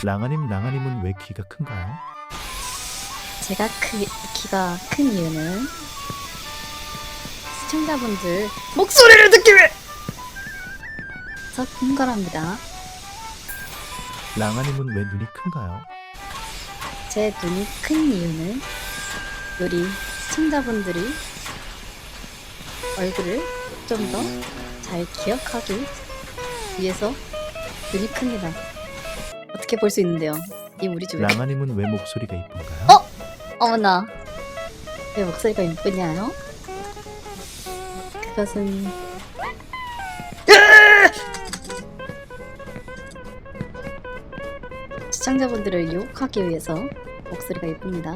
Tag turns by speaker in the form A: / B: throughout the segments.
A: 랑아님은 왜 키가 큰가요?
B: 제가 키가 큰 이유는 시청자분들 목소리를 듣기 위해서 큰 거랍니다.
A: 랑아님은 왜 눈이 큰가요?
B: 제 눈이 큰 이유는 우리 시청자분들이 얼굴을 좀 더 잘 기억하기 위해서 눈이 큽니다. 어떻게 볼 수 있는데요? 이 우리 집에.
A: 랑아님은 왜 목소리가 이쁜가요?
B: 어머나, 왜 목소리가 이쁘냐요? 그것은 시청자분들을 유혹하기 위해서 목소리가 이쁩니다.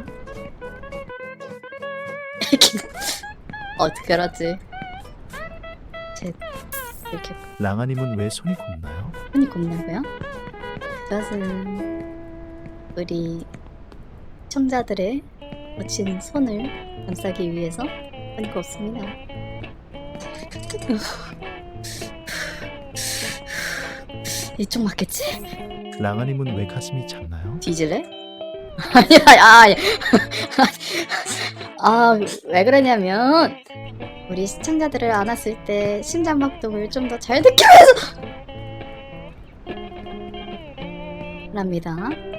B: 어떻게 알았지? 제 이렇게
A: 랑아님은 왜 손이 곱나요?
B: 손이 곱냐고요? 그것은 우리 시청자들의 거친 손을 감싸기 위해서 손이 곱습니다. 이쪽 맞겠지?
A: 랑아님은 왜 가슴이 작나요?
B: 뒤질래? 아니야, 왜 그러냐면 우리 시청자들을 안았을 때 심장박동을 좀 더 잘 듣기 위해서 랍니다.